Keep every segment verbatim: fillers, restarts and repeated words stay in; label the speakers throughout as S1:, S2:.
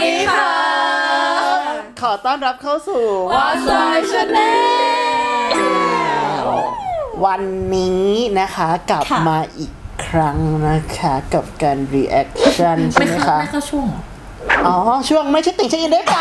S1: ดีค่ะขอต้อนรับเข้าสู่
S2: What's My Channel
S1: วันนี้นะคะกลับมาอีกครั้งนะคะกับการ reaction ใช่ไหมคะ
S2: ไม่เข้าช่วง
S1: อ๋อช่วงไม่ใช่ติ่งใช่ยินได้เปล่า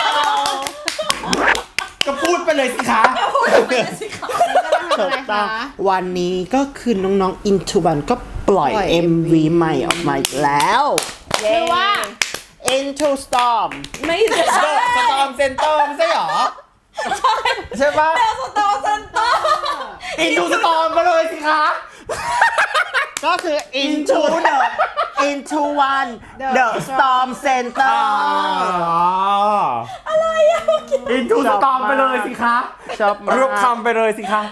S3: ก็พูดไปเลยสิคะ
S2: ก็พูดไปเลยสิคะ
S1: ถูกต้องวันนี้ก็คือน้องๆ Into One ก็ปล่อย เอ็ม วี ใหม่ออกมาอีกแล้วชื่อว่า Into Storm
S2: ไม่ใช่
S3: สตอมเซนเตอร์ไม่ใช่หรอใช่ปะ
S2: สตอร์เซนเตอร์
S3: อินดูสตอมมาเลยสิคะ
S1: ก็คือ Into the Into One The Storm Center
S3: อะไรอะอินดูสตอมไปเลยสิคะ
S1: ชอบมาก
S3: รูปคำไปเลยสิคะ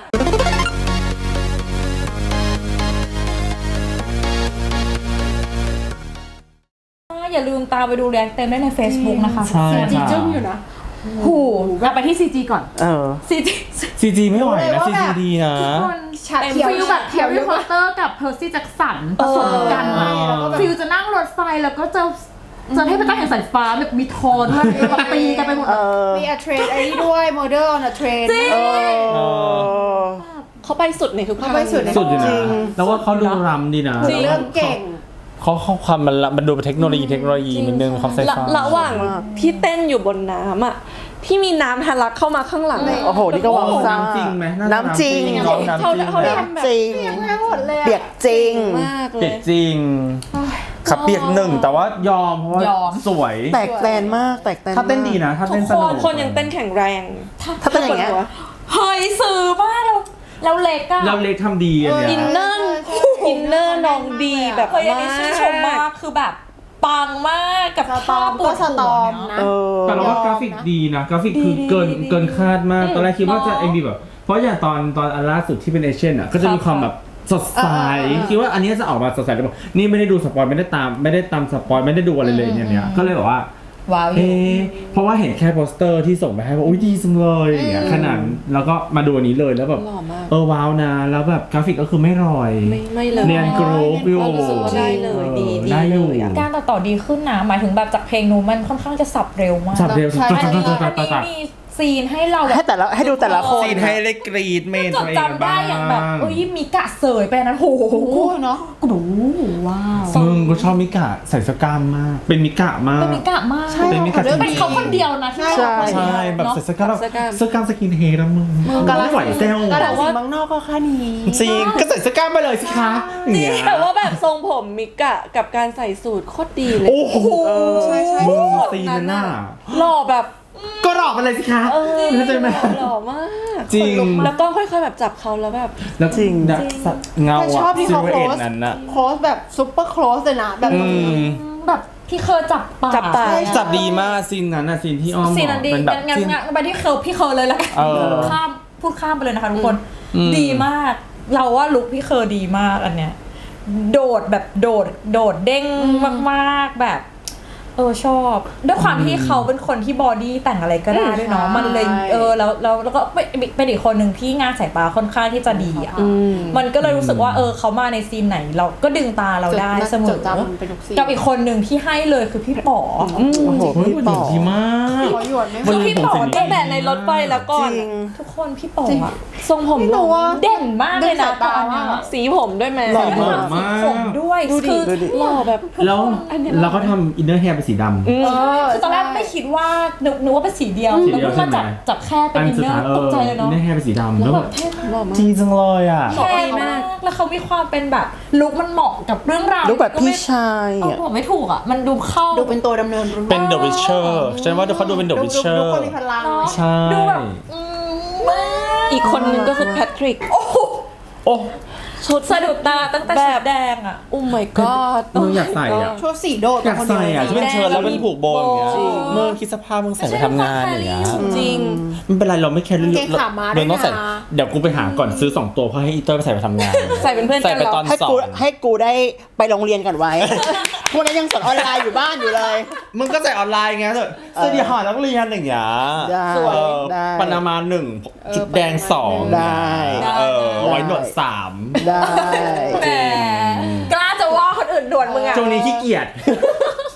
S2: อย่าลืมตามไปดูแรงเต็มได้ใน Facebook นะคะ
S3: ใช่ค่ะ
S2: จึ้งอยู่นะหูเราไปที่ ซี จี ก่อน
S1: เออ
S2: ซี จี
S3: ซีจีไม่ไหวนะซีจีดีนะ
S2: ฟิลแบบแฮร์รี่พอตเตอร์กับเพอร์ซี่แจ็คสันผสมกันฟิลจะนั่งรถไฟแล้วก็จะจะให้พระเจ้าแห่งสายฟ้าแบบมีทอด้วยแบบตีกันไปหมด
S4: มีอะเทรนไอ้นี่ด้วยโมเดลอะเทรน
S2: เขาไปสุดในทุกทาง
S4: เขาไปสุดใน
S3: สุดอยู่นะแล้วว่าเขาดูรำดีนะ
S4: เรื่องเก่ง
S3: เขาเขาความมันมันดูเป็นเทคโนโลยีเทคโนโลยีนิดนึงความไซไฟ
S5: ระหว่างที่เต้นอยู่บนน้ำอ่ะที่มีน้ำทะลักเข้ามาข้างหลัง
S1: โอ้โหนี่ก็วางซ่า
S3: น้ำจริงไหม
S1: น้ำจริง
S5: เขาเขาเขาทำแบบ
S1: จริงเปียกจริง
S5: มากเล
S3: เปีย
S5: ย
S3: กจริงขับเปียกหนึ่งแต่ว่ายอมเพราะว่าสวย
S1: แตกแตนมากแตกแตน
S3: ถ้าเต้นดีนะถ้าเต้นสนุก
S5: คนยังเต้นแข็งแรง
S1: ถ้าเต้นอย่างเงี้ย
S2: เฮ้ยสื่อมากเราเราเล็กอะ
S3: เราเล็กทำดีอันเนี้ย
S5: อินเนอร์อินเนอร์น้องดีแบบ
S2: เฮ้ยอัน
S5: มา
S2: นี้ชื่นชมมาก
S5: ก
S2: คือแบบปังมากกับ
S4: สต
S2: ภา
S4: อ
S2: พ
S4: ม
S2: ปว
S4: ก็
S2: ด
S4: ส
S2: หั
S4: ต
S2: ว
S4: อม
S2: เนาะ
S4: นะ
S1: เออ
S3: แต่เราว่ากราฟิกดีนะกราฟิกคือเกินเกินคาดมากตอนแรกคิดว่าจะเอ็มวีแบบเพราะอย่างตอนตอนอันล่าสุดที่เป็นเอเชียนอ่ะก็จะมีความแบบสดใสคิดว่าอันนี้จะออกมาสดใสแต่บอกนี่ไม่ได้ดูสปอยไม่ได้ตามไม่ได้ตามสปอยไม่ได้ดูอะไรเลยเนี่ยก็เลยบอกว่า
S2: ว้าวอ
S3: เอ๊ะ
S2: ยู่
S3: เพราะว่าเห็นแค่โปสเตอร์ที่ส่งไปให้ว่าอุ้ยดีจังเลยอย่างเงี้ยขนาดแล้วก็มาดูอันนี้เลยแล้วแบบ
S5: หล่อมาก
S3: เออว้าวนะแล้วแบบกราฟิกก็คือไม่รอย
S5: ไม่ไม่เลย
S3: เนียนกรูฟอยู่
S5: รู้สึกว่าได้เลยดีดี
S3: ได้อยู่
S5: เลยอะ
S2: การตัดต่อดีขึ้นนะหมายถึงแบบจากเพลงนู้นมันค่อนข้างจะสับเร็วมาก
S3: สับเร็วสับ
S2: อันนี้
S3: สับ
S2: อัน
S3: สับ
S2: นี้
S3: สับ
S2: มีซีนให้เราแบ
S1: ให้
S2: บ
S1: แต่ละให้ดูแต่ละคน
S3: ซีนให้เล็กกรีดเมน
S2: จดจำได้อย่างแบบเอ้ยมีกะเสยไปนั้นโห
S4: เนาะ
S2: กูดูว้าว
S3: มึงก็ชอบมิกะใส่สกามมาก เป็นมิกะมาก
S2: เป็นมิกะมาก
S3: เป็นมิกะ
S2: เป็นเขาคนเดียวนะที่
S1: ใช่
S3: ใช่แบบใส่สกามสกามสกินเฮดแล้วมึง
S4: มึงกาล
S3: ไม่ไหวเซล
S4: กาลสินธุ์บางนอกก็แค่นี้
S3: จริงก็ใส่สกามไปเลยสิคะอย่างเงี้ย
S5: แต่ว่าแบบทรงผมมิกะกับการใส่สูทโคตรดีเลย
S3: โอ้โห
S4: ใช่ใช่
S3: มึงซีนน่ะ
S5: หล่อแบบ
S3: ก็หลอกไปเลยสิคะเข้าใจไหม
S5: หล่อมาก
S3: จริง
S5: แล้วก็ค่อยๆแบบจับเขาแล้วแบบ
S3: แล้วจริงนะเงา
S4: แต่ช
S3: อะ
S4: อบที่
S3: ซิ
S4: เขา
S3: ลเว
S4: โค
S3: เอ
S4: ล
S3: ต
S4: ส
S3: นั้นน่ะ
S4: โคลสแบบซุปเปอร์โคลสเลยนะแบบ
S3: อืม
S2: แบบพี่เคยจับปาก
S5: จับปาก
S3: จับดีมากซีนนั้นน่ะซีนที่อ้อม
S2: ซีนนั้นดี
S3: เป็นแบบ
S2: งั้น
S3: ซีน
S2: งั้นไปที่เคยพี่เคยเลยละกัน
S3: เออ
S2: ข้ามพูดข้ามไปเลยนะคะทุกคน
S3: อืม
S2: ดีมาก เราว่าลุคพี่เคยดีมากอันเนี้ยโดดแบบโดดโดดเด้งมากๆแบบเออชอบด้วยความที่เขาเป็นคนที่บอดี้แต่งอะไรก็ได้ด้วยเนาะมันเลยเออแล้วแล้วแล้วก็เป็นอีกคนหนึ่งที่งานสายตาค่อนข้างที่จะดีอ่ะมันก็เลยรู้สึกว่าเออเขามาในซีนไหนเราก็ดึงตาเราได้เสมอกับอีกคนหนึ่งที่ให้เลยคือพี่ป๋อ
S1: โอ้โห
S3: เฮ้ย
S1: พี่
S3: มัน
S1: ป๋อ
S3: ดีมาก
S4: ขอหยดไม่
S3: มัน
S2: คือพี่ป๋อ
S5: ตั้งแต่ในรถไฟแล้วก่อน
S1: จริง
S2: ทุกคนพี่ป๋ออะ
S5: ทรงผม
S4: ไม่รู้ว่า
S2: เด่นมากเลยนะตอนนี้
S5: สีผมด้วยไหม
S3: หล่อมาก
S2: สีผมด้วยคือ
S1: ดูดิ
S5: หล่อแบบ
S3: แล้วเราก็ทำอินเนอร์แฮร์เป็นสีดำ
S2: เออคือตอนแรกไม่คิดว่านึกนึกว่าเป็นสีเดียว
S3: สีเดียว
S2: มาจับ
S3: ใช่ไหม
S2: จับแค่เป็น
S3: อัน
S2: อิน
S3: สุด
S2: เนอ
S3: ท้าย
S2: ร์
S3: เอ
S2: ตก
S3: อ
S2: ใจเลย
S3: อิ
S2: เนาะ
S3: นเนอร์แฮร์เป็นสีดำ
S2: แล้
S3: แล้ว ว
S2: แบ
S3: แบบ บ
S2: เท่มาก
S5: หล่อมาก
S3: ดีจังเลยอ่ะ
S2: เท่มากแล้วเขามีความเป็นแบบลุคมันเหมาะกับเรื่องราว
S1: ลุคแบบพี่ชาย
S2: เออ
S1: อ่ะ
S2: ผมไม่ถูกอ่ะมันดูเข้า
S4: ดูเป็นตัวดำเนินเรื่อง
S3: เป็น The Witcher ฉันว่าเขาดูเป็น The
S4: ดู
S3: Witcher
S4: ดูคนมีพลัง
S3: ใช่
S2: ดูแบบอืมมาก
S5: อีกคนนึงก็คือแพทริก
S2: โอ้โห
S3: โอ้
S2: ชุดสะดุดตาตั้งแต่ชุดแดงอ่ะ
S5: โอ้ my god
S3: มึงอยากใส่อ่ะ
S4: ชุดสีโดด
S3: อยากใส่อ่ะที่เป็นเชิ้ตแล้วเป็นผูกโบอย่างเงี้ย
S5: จริง
S3: มึงคิดสภาพมึงใส่ไปทำงานอย่างเงี้ย
S5: จริง
S3: ไม่เป็นไรเราไม่แคร์เรื่อง
S4: เกงขาม้าด้
S3: เรา
S4: วย
S3: ต้องใส่
S4: นะ
S3: เดี๋ยวกูไปหาก่อนซื้อสองตัวเพื่อให้อีเตอร์ไปใส่ไปทำงาน
S5: ใส่เป็นเพื่อนกัน
S3: ใส่ไปตอน
S1: ให้
S3: สอ
S1: กู
S3: ง
S1: ให้กูได้ไปโรงเรียนก่อนไว้ พวกนั้นยังสอนออนไลน์อยู่บ้านอยู่เลย
S3: มึงก็ใส่ออนไลน์ไงเถอะเสื้อดีหอนักเรียนอย่างเงี้ย
S1: ได้
S3: เออ
S1: ได้
S3: ปานามาหนึ่งจุดแดงสอง
S1: ได้
S3: เออไว้หนวดสาม
S1: ได้
S2: แต่กล้าจะว่าคนอื่นด่วนมึงอ่ะ
S3: ช่วงนี้ขี้เกียจ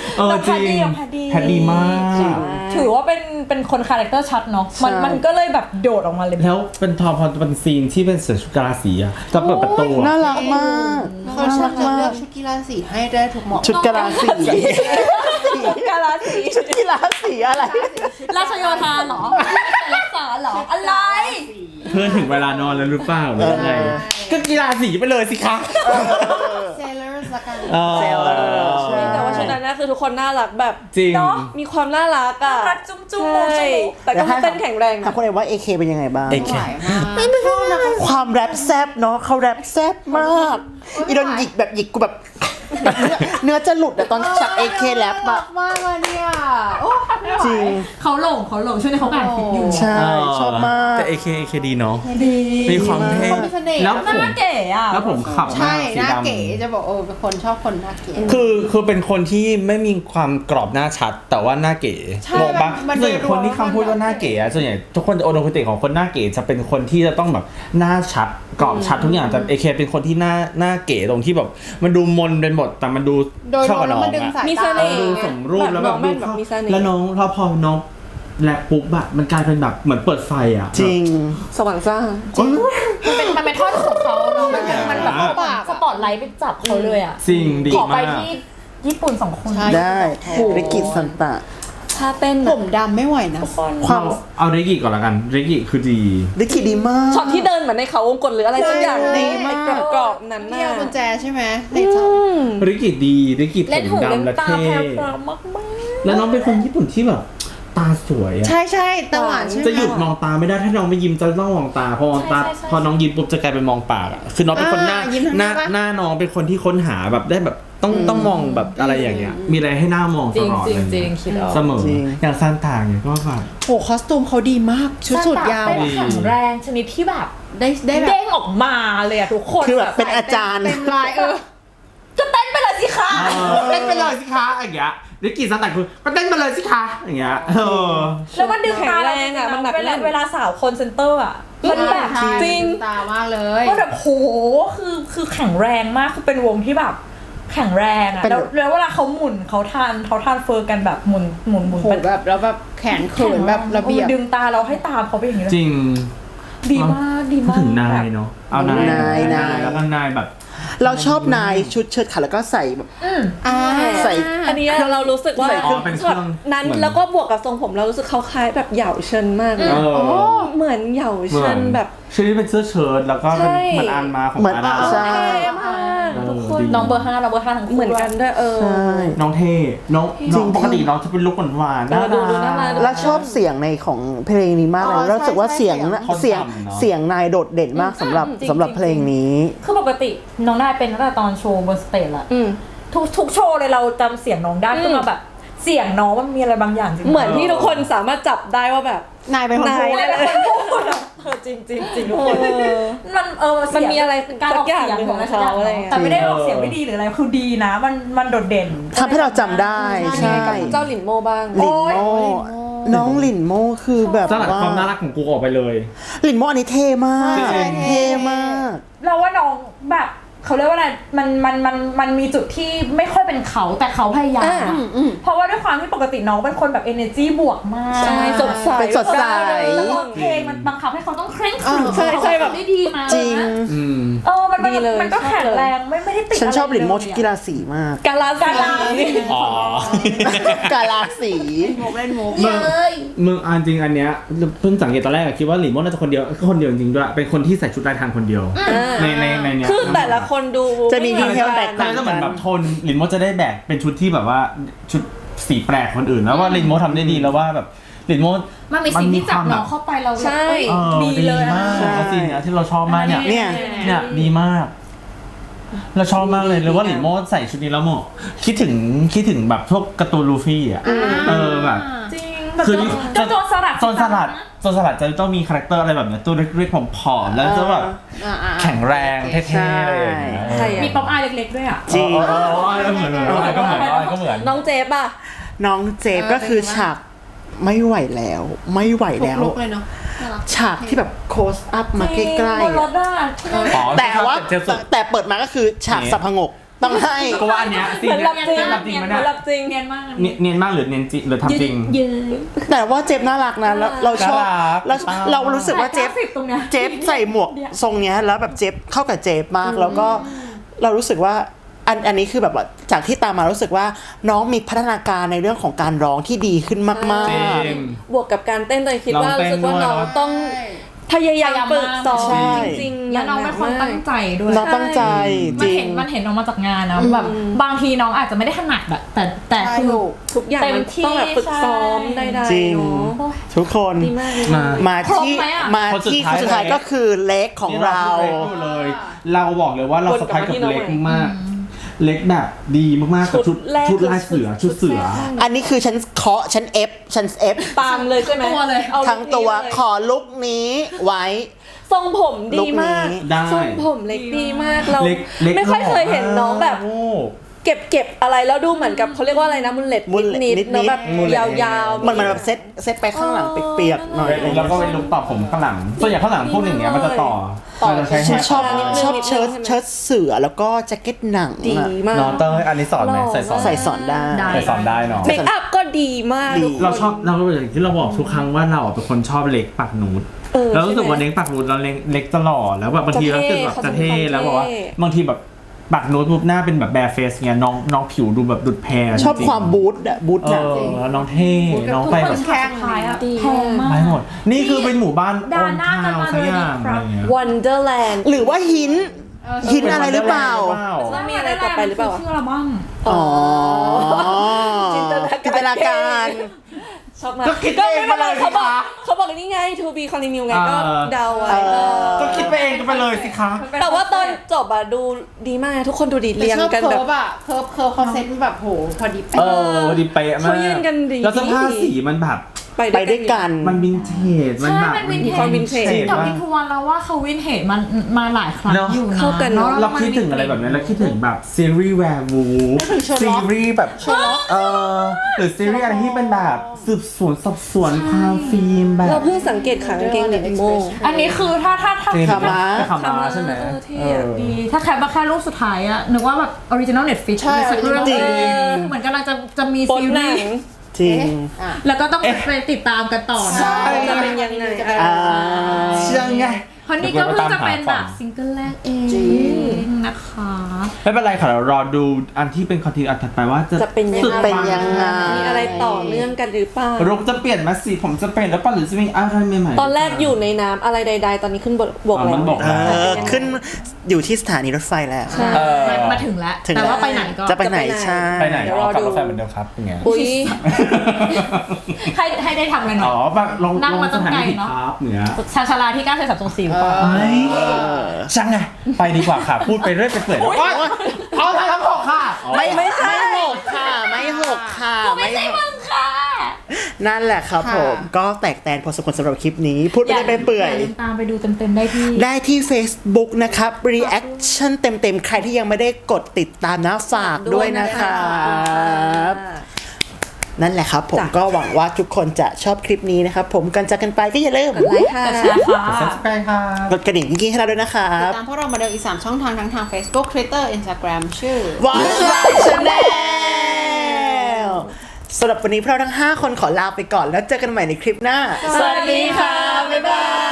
S3: เออ
S2: แล้ว
S3: จริง
S2: แพทดี
S3: แพทดีมาก
S2: ถือว่าเป็นเป็นคนคาแรคเตอร์ชัดเนาะมัน
S1: ใช่
S2: มันก็เลยแบบโดดออกมาเลย
S3: แล้วเป็นทอพอเป็นซีนที่เป็นเสือชุดกาลาสีอะจะเปิดประตู
S1: น่า
S3: อะ
S1: รักมาก
S4: เขาชอบจะเลือกชุดกีฬาสีให้ได้ถูกเหมาะ
S1: ชุดกีฬาสี
S2: กาลาสี
S1: ชุดกีฬาสีอะไร
S2: ราชโยธาเหรอรักษาเหรออะไร
S3: เพื่อนถึงเวลานอนแล้วหรือเปล่าหรือยังไงก็กีฬาสีไปเลยสิคะ
S4: เซเลอร์ละกัน
S3: เออ
S1: เซลล์ใช่
S5: แต่ว่าชุดนั้นนะคือทุกคนน่ารักแบบ
S3: จริง
S2: เนาะ
S5: มีความน่ารักอ่ะ
S2: รักจุ้มจุ้ม
S5: ใช่
S2: จุ้ม
S5: แต่ก็เต้นแข็งแรง
S1: ถามคนเอกว่า เอ เค เป็นยังไงบ้าง
S3: เอ เค
S4: หวายมากชอบนะคะ
S1: ความแรปแซบเนาะเขาแรปแซบมากอีโดนหยิกแบบหยิกกูแบบเนื้อเนื้อจะหลุดอะตอนฉาก เอ เค แรปอะ
S4: มากเลยเนี่ยโอ้ไม่ไหว
S1: จริง
S2: เขาหลงเขาหลงช่วงนี้เขาอ่านฟิกอยู่
S1: ใช่ ชอบมาก
S3: แต่ เอ เค เอ เค ดีเนาะ
S2: ดี
S3: มีความเท่
S4: เขามีเสน่ห์
S3: แล้ว
S2: หน้าเก๋อะ
S3: แล้วผมขับ
S4: ใช่
S3: สี
S4: หน้า
S3: ดำ
S4: เก๋จะบอกโอ้เป็นคนชอบคนหน้าเก๋
S3: คือคือเป็นคนที่ไม่มีความกรอบหน้าชัด แต่ว่าหน้าเก๋
S4: ใช่
S3: งงปะ
S4: มัน
S3: ส่วนใหญ่คนที่คำพูดว่าหน้าเก๋อะส่วนใหญ่ทุกคนจะโอโนคุติของคนหน้าเก๋จะเป็นคนที่จะต้องแบบหน้าชัดกรอบชัดทุกอย่างแต่เอเคเป็นคนที่หน้าหน้าเก๋ตรงที่แบบมันดูมนเป็นหมดแต่มันดู
S4: โดยร
S3: เข้าว
S4: ม
S3: กับ
S4: แล้
S3: น้
S4: ว
S3: อง
S4: มันดึง
S3: อะ
S4: สาย
S5: มีเส
S4: ตา
S5: น่
S3: เออ
S5: ห์
S3: ดูสมรูปแล้วแบบ
S5: แบบน้อง
S3: ดู
S5: แบบ
S3: เข้า
S5: มีเสน่ห์
S3: แล้วน้องพอพอน้องแลบปุ๊บอะมันกลายเป็นแบบเหมือนเปิดไฟอะ
S1: จริง
S5: สว่างซ่า
S2: มันเป็นมันเป็นท่อนของเขาเนาะมันมันแบบ
S3: อ่า
S2: ปากสปอตไลท์ไปจับเขาเลยอะ
S3: จริงดี
S2: ขอไป
S3: มาก
S2: ที่ญี่ปุ่นสองคน
S4: ใช่
S1: ได้ริกิสันตะ
S5: ถ้าเต้น
S4: ผมดำไม่ไหวนะ
S1: ความ
S3: เอาเรกิก่อนละกันเรกิคือดี
S1: ริกิดีมาก
S5: ช็อตที่เดินเหมือนในเขาวงกตหรืออะไรสักอย่าง
S1: ดีมาก
S5: ไอ้กรอบๆนั้น
S4: เนี่
S5: น่ะ
S4: ยกุญแจใช่ไหมในจอ
S5: อืม
S3: ริกิดีริกิผ
S2: เล่น
S3: ม
S2: หูเล่น
S3: ดำและ
S2: ตา
S3: เท่
S2: แพรวพราวมากมาก
S3: แล้วน้องเป็นคนญี่ปุ่นที่แบบตาสวยอะ
S4: ใช่ใช่ตาหวานใช่ไหม
S3: จะหยุดมองตาไม่ได้ถ้าน้องไม่ยิ้มจะต้องมองตาพอมองตาพอน้องยิ้มปุ๊บจะกลายเป็นมองปากอะคือน้องเป็นคนหน้า
S4: อ่ายิ้มทำ
S3: ห
S4: ไม
S3: น้าว
S4: ะ
S3: หน้าน้องเป็นคนที่ค้นหาแบบได้แบบต้องต้องมองแบบอะไรอย่างเงี้ย มีอะไรให้หน้ามอง
S2: จ
S3: ต
S2: ริง
S3: ลอด
S2: จริง
S3: เลย
S2: จริงคิดออก
S3: เสมอ
S1: จริง
S3: อย่างซานตาเนี่ยก็แบบ
S4: โหคอสตูมเขาดีมาก ชุดสุดยาว
S2: เป็น
S4: อะ
S2: แข็งแรงชนิดที่แบบ
S4: ได้ได้แบบ
S2: เด้งออกมาเลยอะทุกคน
S1: คือแบบเป็นอาจารย์
S4: เต็มลายเออ
S2: ก็เต้นไปเลยสิคะ
S3: เต้นไปเลยสิคะอย่างเงี้ยริกิซานตาคือก็เต้นไปเลยสิคะอย่างเงี้ยเออ
S2: แล้วมันดึงตาเรา
S5: แข็งแรงอะมันหนัก
S2: เว
S5: แน่
S2: ลาน เวลาสาวคนเซนเตอร์อะมันแบบ
S4: ใช่
S2: จริง
S4: ตามากเลย
S2: ก็แบบโหคือคือแข็งแรงมากคือเป็นวงที่แบบแข็งแรงอะ
S1: เป็น
S2: แล้วแล้วเวลาเขาหมุนเขาทานเขาทานเฟอร์กันแบบหมุนหมุนหมุน
S4: โหแบบแล้วแบบแขนเขินแบบระเบียบ
S2: ดึงตาเราให้ตามเขาไปอย่างนี้เลย
S3: จริง
S2: ดีมากดี
S3: พูด
S2: มาก
S3: ถึงนายเนาะเอานาย
S1: นายนาย
S3: แล้วก็นายแบบ
S1: เราชอบนายชุดเชิ้ตขาแล้วก็ใส่แบบ
S2: อืม
S4: อ่า
S1: ใส่
S5: อันนี้เรารู้สึกว่า
S1: ใส่เครื่อง
S3: อ๋อเป็นเครื่อง
S5: แบบนั้น
S3: เหมือน
S5: แล้วก็บวกกับทรงผมเรารู้สึกเขาคล้ายแบบเหยาเชินมากเลย
S3: เออ
S5: เหมือนเหยา
S3: เหมื
S5: เชิ
S3: อน
S5: นแบบ
S3: ชื่อนี้เป็นเสื้อเชิ้ตแล้วก็เป็น
S5: ใช่
S3: เหมือนอันมาของ
S1: เหมือน
S3: อาดา
S1: ใช่
S5: เท่มาก
S3: เออ
S5: ทุกคน
S3: ดี
S2: น้องเบอร์ห้าเราเบอร์ห้าทั้งคู่
S5: เหมือนกันด้วยเออ
S1: ใช่
S3: น้องเท่น้อง
S1: จริ
S3: น้อง
S1: ง
S3: ปกติน้องจะเป็นลุคหวานๆ
S5: เออดูดูน่ารัก
S1: แล้วชอบเสียงในของเพลงนี้มากเลย
S4: อ๋อ
S1: แล้วรู้สึกว่า
S4: ใช่
S1: เสียง
S4: ใช่
S1: นะ
S3: เขา
S1: เสียง
S3: ทำเนอะ
S1: เสียงนายโดดเด่นมากสำหรับ
S2: จริง
S1: สำหรับ
S2: จริง
S1: เพลงนี้
S2: คือปกติน้องได้เป็นตั้งแต่ตอนโชว์บนสเตจละ
S5: อืม
S2: ทุกทุกโชว์เลยเราจำเสียงน้องได้
S5: อืม
S2: ขึ้นมาแบบ เสียงน้องมันมีอะไรบางอย่างจริง
S5: เหมือนที่ทุกคนสามารถจับได้ว่าแบบ
S4: นายเป็นคนพูด
S5: นาย
S2: เป็นคนพูดอะเออจริงจริงจริงทุกคน
S5: เออ
S2: มันเออเสียง
S5: มันมีอะไร
S2: การออกเสียง
S5: สักอย่างหนึ่ง
S2: ของอะไร
S5: ของเขาอะไรอย่างเงี้ย
S2: แต่ไม่ได้ออกเสียงไม่ดีหรืออะไรคือดีนะ มันมันโดดเด่น
S1: ทำให้เราจำได้ ใช่
S5: กับเจ้าหลินโมบ้าง
S1: หลินโมน้องหลินโมคือแบบ
S3: สลัด
S1: ว่า
S3: ความน่ารักของกูออกไปเลย
S1: หลินโมอันนี้เท่มาก
S3: จริง
S1: เท่มาก
S2: เราว่าน้องแบบเขาเรียกว่าอะไรมันมันมันมันมีจุดที่ไม่ค่อยเป็นเขาแต่เขาพยายาม
S5: อ่า
S2: อะเพราะว่าด้วยความที่ปกติน้องเป็นคนแบบ energy บวกมาก
S5: ใช่สดใส
S1: เป็นสดใส
S2: แล้วก็เพลงมันบังคับให้เขาต้องเคร่งขรึม
S5: ใช่ใช่แบบ
S2: ได้ดีมาก
S1: จริง
S3: อืม
S2: เออมันมัน
S5: ดีเลย
S2: มันก็แข็งแรงไม่ไม่ได้ติด
S1: ฉันชอบหลินโม
S2: ะไร
S1: ชุด
S2: เย
S1: กีฬาสีมาก
S5: กาลา
S2: กาลาสี
S3: อ๋อ
S1: กาลาสี
S4: โมกเล่นโมก
S3: มึงมึงอันจริงอันเนี้ยเพิ่งสังเกตตอนแรกอะคิดว่าหลินโม่น่าจะคนเดียวก็คนเดียวจริงๆด้วยเป็นคนที่ใส่ชุดลายทางคนเดียว ในในในเนี้ย
S5: คือแต่ละคนดู
S1: จะมีดีเทลแตก
S3: แต่
S1: ต่าง
S3: ก็เหมือนแบบโทนหลินโม่จะได้แบกเป็นชุดที่แบบว่าชุดสีแปลกคนอื่นแล้วว่าหลินโม่ทำได้ดีแล้วว่าแบบหลินโม่
S2: มันมีสิ่งที่จับน้องเข้าไปเรา
S5: ใช่
S3: เออ
S2: ดี
S3: ดี
S2: เลย
S3: มาก
S1: ใช่
S3: แล้วซีนเนี้ยที่เราชอบมากเนี่ย
S1: เนี่ย
S3: เนี่ยดีมาก เราชอบมากเลยหรือว่าหลินโม่ใส่ชุดนี้แล้วเหมาะคิดถึงคิดถึงแบบพวกการ์ตูนลูฟี่อ่ะเออแบบ
S2: จริงแบบ
S3: คือ
S2: เจ้าโจรสลัด
S3: โจรสลัดโจรสลัดจะต้องมีคาแรคเตอร์อะไรแบบเนี้ยตัวเล็กๆผอมๆแล้วจะแบบ
S4: อ่าอ่า
S3: แข็งแรงเท่ๆอะไรอย่างเงี้ย
S5: ใช่อะ
S2: มีป๊อปอายเล็กๆด้วยอ่ะ
S1: จริง
S3: เออเออเออเออเหมือนเหมือนอะไรก็เหมือนอะไรก็เหมือน
S5: น้องเจฟอ่ะ
S1: น้องเจฟก็คือฉากไม่ไหวแล้ว ไม่ไหว
S4: ทุ
S1: แล้
S4: ก
S1: ว
S4: ลุกเลยเนาะน่ารัก
S1: ฉากที่แบบโคสอัพมาใกล้
S2: บน
S1: ๆ
S2: ร
S1: อะ
S2: ถอ่ะ
S3: อ๋อ
S1: แต่ว่า
S3: เจ็บสุด
S1: แต่เปิดมาก็คือฉากสับพงกต้องให้
S3: ก็ว่าอันเนี้ยซี
S5: เหมือน
S3: เนี้
S5: รับ
S3: ย
S5: จริง
S3: รับจริงไหม
S5: เหมื
S3: เนี่
S5: อย นรับจริง
S2: เนียนมาก
S3: เนียนเนียนมากหรือเนียนจริงหรือทำจริง
S2: เยอะ
S1: แต่ว่าเจฟน่ารักนะแล้วเราชอบ
S3: น่ารัก
S1: เราเรารู้สึกว่าเจฟ
S2: สิบตรงเนี้ย
S1: เจฟใส่หมวกทรงเนี้ยแล้วแบบเจฟเข้ากับเจฟมากแล้วก็เรารู้สึกว่าอันอันนี้คือแบบว่าจากที่ตามมารู้สึกว่าน้องมีพัฒนาการในเรื่องของการร้องที่ดีขึ้นมาก
S3: จริ
S1: ๆ
S3: ง
S5: บวกกับการเต้นตัวเองคิดว่า
S3: ลองเต้
S5: รู้
S3: น
S5: สึกว่า
S3: ด้วย
S5: น้อง
S3: เนอะ
S5: ต้องพยายามฝึกซ้อม
S1: ใช่
S5: จริงๆ
S2: แล้วน้องเป็นคนตั้งใจด้วย
S1: น้องตั้งใจจ
S2: มัน
S1: ริ
S2: เห็
S1: ง
S2: นมันเห็นออกมาจากงานนะแบบบางทีน้องอาจจะไม่ได้ถนัดอะแต่แต่
S4: ใช่
S2: คือ
S4: ถูก
S5: ทุกอย่าง
S2: เต็ม
S5: มัน
S2: ที่
S5: ต้องแบบฝึกซ้อม
S2: ใช่
S5: ได้
S1: จริง
S5: ๆเนาะ
S2: โอ้ย
S1: ทุกคน
S5: ดีมากดี
S3: มา
S5: มาก
S1: มาที่
S2: ครบไหมอะ
S1: มาที่คนสุดท้ายก็คือเล็กของเรา
S3: นี่พูดเลย เราบอกเลยว่าเรา
S5: วน
S3: ส
S5: กลั
S3: ะ
S5: บ
S3: พาย
S5: มา
S3: กับ
S5: ที่น้อง
S3: เล็ก
S5: ใหม่
S3: มาก เล็กแบบดีมากๆกับชุด
S5: แรก
S3: ชุดลายเสือชุดเสือ
S1: อันนี้คือฉันเคาะฉันเอฟฉันเอฟ
S5: ตามเลยใช่ไหม
S2: ตัวเลย
S5: อา
S1: ทั้งตัว
S5: ลุคนี้เลย
S1: ขอลุกนี้ไว้
S5: ทรงผมดีมาก
S1: ลุคนี้
S3: ได้
S5: ทรงผมเล็กดีมากเรา
S3: เล็กเล็ก
S5: ไม่ค่อยเคยเห็นน้องแบบ
S3: โอ้
S5: เก็บเก็บอะไรแล้วดูเหมือนกับเขาเรียกว่าอะไรนะมุลเล็ต
S1: มุลเล็ต
S5: นิด
S1: นิดๆ
S5: ๆเนอะแบบ
S3: มุลเล็ต
S5: ยาวๆ
S1: มันมันแบบเซ็ตเซ็ตไปข้างหลังเปียกๆหน่อยอะไรอย่าง
S3: แล้ว
S1: เงี้ย
S3: ก็เป็นลุคต่อผมข้างหลังส่วนใหญ่ข้างหลังพวกอย่างเงี้ยมันจะต่อ
S5: ต่อ
S3: มันจะใช้
S1: ฉั
S3: แฮ
S1: น
S3: ร์
S1: ชอบ
S5: นิดนึง
S1: ชอบ
S5: นิดนึง
S1: เชิ้ต
S5: ใช่ไหม
S1: เชิ้ตเสือแล้วก็แจ็คเก็ตหนัง
S5: ดี
S1: อะ
S5: มาก
S3: น้องเต้ยอันนี้สอนไหม
S5: หล่อ
S3: ใส่สอน
S1: ใส่สอนได้
S2: ได้
S3: ใส่สอนได้เนาะ
S5: เมคอัพก็ดีมาก
S1: ดี
S5: ทุกคน
S3: เราชอบเราอย่างที่เราบอกทุกครั้งว่าเราเป็นคนชอบเล็กปากนูด
S5: เออ
S3: เรารู้สึกว่า
S5: ใช่ไหม
S3: เล็กปากนูดเราเล็กเล็กตลอดแล้วแบบบางที
S5: จะ
S3: เรา
S5: เท่
S3: รู้สึกแบบ
S5: เขา
S3: จะ
S5: เป็น
S3: เท่
S5: คน
S3: แล้วบอกว่า
S5: เท่
S3: บางทีแบบปากนูดปุ๊บหน้าเป็นแบบแบร์เฟสเงี้ยน้องน้องผิวดูแบบดุดแพร
S1: ชอบ
S3: จริงๆ
S1: ความบูทอะบูท
S3: เอ
S1: หนัง
S3: อแล้วน้องเท่น้องไปแบบ
S2: แข้งท้ายอะ
S5: ดี
S2: แพงมาก
S3: ไปหมด นี่คือเป็นหมู่บ้าน
S2: ด่าหน้ากันมา
S3: สักอย่าง
S2: เลยครับ
S3: อะไรเงี้ย
S5: Wonderland
S1: หรือว่าหินหินอะไรหรือเปล่า
S5: แล้วมีอะไรต่อไปหรือเปล่า
S2: ชื่ออัลบั้ม
S1: อ๋อ
S5: จินตนาการ
S1: จินตนาการ
S5: ชอบมาก
S3: ก็คิด
S5: ก็
S3: เอ
S5: ไม่
S3: ง
S5: เป็นไร
S3: ไปเลย
S5: เขาบอก
S3: สิคะ
S5: เขาบอกนี่ไง to be continue ไงก็
S3: เออ
S5: เดาไว้
S1: เออ
S5: เออ
S3: ก็คิดไปเองกันไปเลยสิคะ
S5: แต่ว่าตอนจบอะดูดีมากทุกคนดูดี
S4: แต่
S5: เรียง
S4: ชอบ
S5: กัน
S4: เคิ
S5: แบ
S4: ร์
S5: บ
S4: ฟอะเคิร์ฟเคิร์ฟเขาเซ็ตแบบโหพอดี
S3: เอ
S4: เป๊ะ
S3: อดีเป๊ะมาก
S5: เขายืนกันดี
S3: แล้วเสภาพสีมันแบบ
S1: ไปด้วยกัน
S3: มันวินเทจมันแบบ
S2: ใช่มันวินเทจ
S5: ความวินเทจ
S2: กับ
S3: มาก
S2: พี่ทวนแล้วว่าเขาวินเทจมันมาหลายครั้ง
S3: เนอะ
S2: อยู่นะ
S5: เข้ากันเนอะ
S2: แล้ว
S3: เรา
S2: มัน
S3: คิดถึงอะไรแบบนั้นเราคิดถึงแบบซีรีส์แวร์วูฟ
S4: นึกถึง Sherlock
S3: ซีรีส์แบบเออหรือซีรีส์อะไรที่เป็นแบบสืบสวนสอบสวนความฟิล์มแบบ
S5: เราเพิ่งสังเกตขากางเกงเด็กโม
S2: อันนี้คือถ้าถ้าถ้า
S3: เจมส์
S1: ขาม้า
S3: ขาม้าใช่ไหม
S5: เออเท่
S3: เอ
S5: อะ
S3: อ
S2: ดีถ้าแคปมาแค่รูปสุดท้ายอะนึกว่าแบบออริจินอลเน็ตฟิก
S4: ใช่
S2: สักเรื่อง
S1: จริง
S2: เออเหมือนกำลังจะจะมี
S5: ปน
S2: ซี
S5: หนั
S2: รี
S5: ง
S2: ส์
S1: จริง
S4: อ่ะ
S2: แล้วก็ต้องไปติดตามกันต่อนะ
S5: จะเป็นยังไง
S1: อ่า
S3: เชื่อไง
S2: เพราะนี่ก็เพิ่งจะเป็นแบบซิงเกิลแรกเองนะคะ
S3: ไม่เป็นไรค่ะเรารอดูอันที่เป็นคอนเทนต์อันถัดไปว่าจะ
S5: จะเป็นยัง
S1: สุด
S5: ไง
S1: เป็นยังไง
S5: มีอะไรต่อเนื่องกันหรือเปล่า
S3: รุกจะเปลี่ยนมาสีผมจะเปลี่ยนแล้วป่ะหรือจะมีอะไรใหม่ๆ
S5: ตอนแรกอยู่ในน้ำอะไรใดๆ ตอนนี้ขึ้นบกบก
S3: อ๋อ
S5: แล้
S3: มั
S5: วน
S3: บก
S1: เออขึ้นอยู่ที่สถานีรถไฟแล้ว
S5: ใช่
S3: เออ
S2: มามาถึงแล้ว
S1: ถึง
S2: แต่
S1: แล้ว
S2: ว่าไปไหนก็
S1: จะไปไหนใช่
S3: ไปไหน
S5: เดี๋ยว
S3: อ๋
S5: ร
S3: อ
S5: อ
S3: ขับ
S5: ดู
S3: รถไฟเหมือนเดิมครับเป็นไง
S5: อุ้ย
S2: ให้ให้ได้ทำอะไรหน่
S3: อ๋
S2: อ
S3: อย แบบลง
S2: นั่ง
S3: ลง
S2: มา
S3: ส
S2: ตั้ง
S3: ถานี
S2: ไกล
S3: ผิด
S2: เนอะ
S3: ครับเหนือ
S2: ชาชาลาที่เก้าเซนสามสองสี่หรือเปล่า
S3: เฮ้ยช่างไงไปดีกว่าค่ะ พูดไปเรื่อยไปเปื่อยแล้วเอาทางทั้งหกค่ะ
S1: ไม่ไม่ไม่หกค่ะ ไม่หกค่ะ
S2: ไม่ใช่มึงค่ะ
S1: นั่นแหละครับผม ก็แตกแตนพอสมควรสำหรับคลิปนี้ พูดไปได้ไปเปื่อย
S2: าลืมตามไปดูเต็มๆได้ที่
S1: ได้ที่ Facebook นะครับ reaction เต็มๆ ใครที่ยังไม่ได้กดติดตามนะฝากด้วยนะครับ นั่นแหละครับผม
S5: จ้ะ
S1: ก็หวังว่าทุกคนจะชอบคลิปนี้นะครับผมก่อนจากกันไปก็อย่าลืม
S5: กดไลค์ค่ะ
S2: แต่ช้าค่ะ
S3: ซับสไครต์ค่ะ
S1: กดกระดิ่งกิ๊งๆให้เราด้วยนะครั
S4: ติด
S1: บ
S4: ตามพวกเรามาเดิมอีกสามช่องทางทั้งทาง Facebook Twitter Instagram ชื่อ
S1: Watch My Channel สำหรับวันนี้พวกเราทั้งห้าคนขอลาไปก่อนแล้วเจอกันใหม่ในคลิปหน้า
S4: สวัสดีค่ะ
S1: บ๊ายบาย